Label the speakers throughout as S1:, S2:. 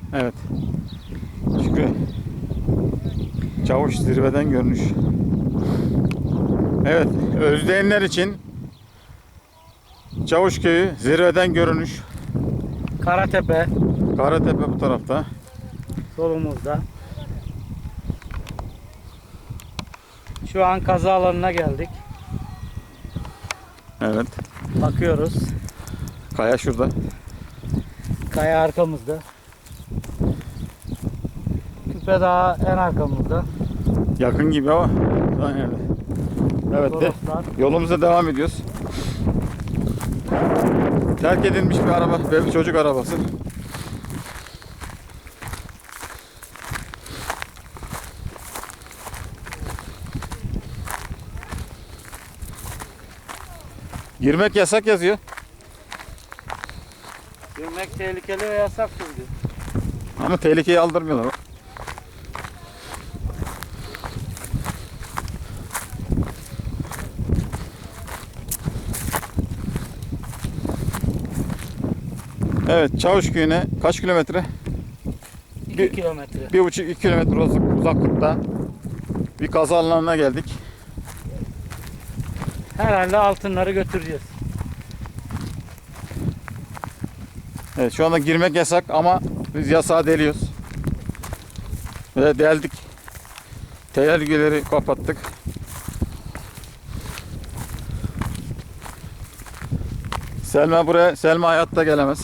S1: Evet. Şükrü. Çavuş zirveden görünüş. Evet. Özleyenler için Çavuşköy'ü zirveden görünüş.
S2: Karatepe
S1: Karatepe bu tarafta.
S2: solumuzda. Şu an kaza alanına geldik.
S1: Evet.
S2: Bakıyoruz.
S1: Kaya şurada.
S2: Kaya arkamızda. Küpe Dağı en arkamızda.
S1: Yakın gibi ama. Evet. Evet de.
S2: Toroslar.
S1: Yolumuza devam ediyoruz. Terk edilmiş bir araba ve bir çocuk arabası. Girmek yasak yazıyor.
S2: Girmek tehlikeli ve yasaktır diyor.
S1: Ama tehlikeyi aldırmıyorlar. Evet, Çavuşköy'üne kaç kilometre?
S2: 2 kilometre.
S1: 1,5-2 kilometre uzaklıkta bir kaza alanına geldik.
S2: Herhalde altınları götüreceğiz.
S1: Evet, şu anda girmek yasak ama biz yasağı deliyoruz. Ve deldik. Tehlikeleri kapattık. Selma hayatta gelemez.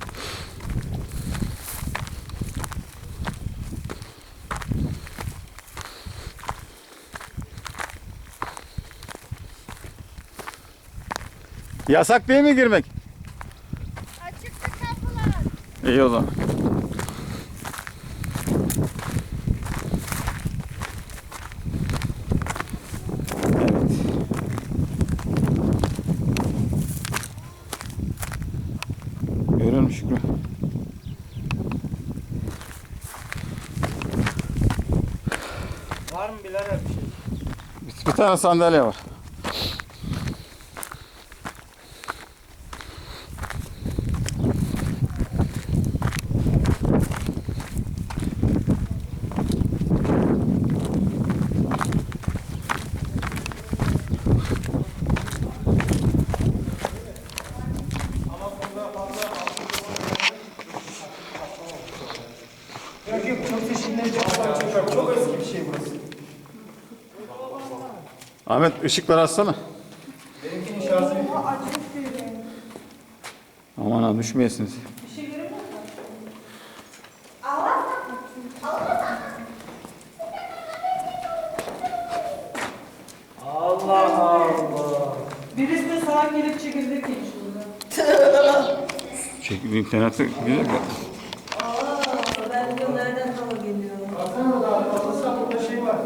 S1: Yasak değil mi girmek?
S3: Açıktı kapılar.
S1: İyi o zaman. Evet. Görüyor musun Şükrü?
S2: Var mı birader bir şey?
S1: Bir tane sandalye var.
S4: Çok eski bir şey burası.
S1: Ahmet ışıkları açsana.
S4: Benimkinin şarjı bitiyor.
S1: Aman ha düşmeyesiniz.
S2: Allah Allah.
S5: Birisi de sağa gelip çekirdek geçiyor.
S1: Çekil internette güzel bak.
S5: Ben diyorum nereden hava geliyor?
S4: Baksana da arkasında burada şey var.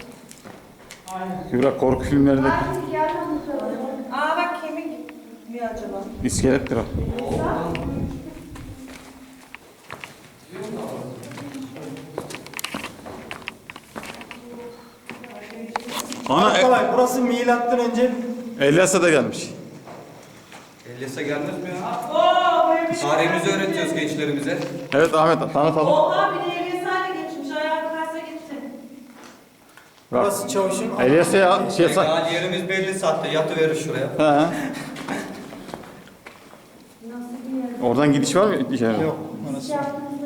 S1: Kübra korku filmlerindeki
S5: Aa bak kemik mi acaba?
S1: iskelettir o. Ana
S4: Kolay. Burası milattan önce
S1: Elyas'a da gelmiş.
S6: Elyas'a gelmez mi ya? Tarihimizi öğretiyoruz gençlerimize.
S1: Evet Ahmet tanıtalım.
S5: Oha bir de Eliasa'yla geçmiş. Ayağı kaysa gitti.
S1: Bak.
S4: burası çavuşun.
S1: Elyas'a ya
S6: Daha yerimiz belli saatte yatıverir şuraya.
S1: He. Oradan gidiş var mı içeri?
S4: Yok. Orası.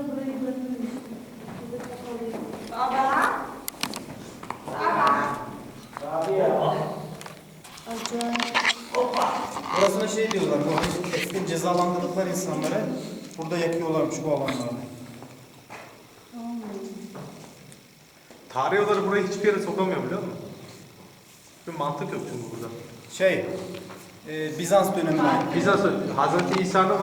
S4: Burasına şey diyorlar. Bu eskiden cezalandırdıkları insanları burada yakıyorlarmış bu alanlarda.
S7: Tarih olarak burayı hiçbir yere sokamıyor biliyor musun? Bir mantık yok çünkü burada.
S4: Bizans döneminde.
S7: Bizans, Hazreti İsa'nın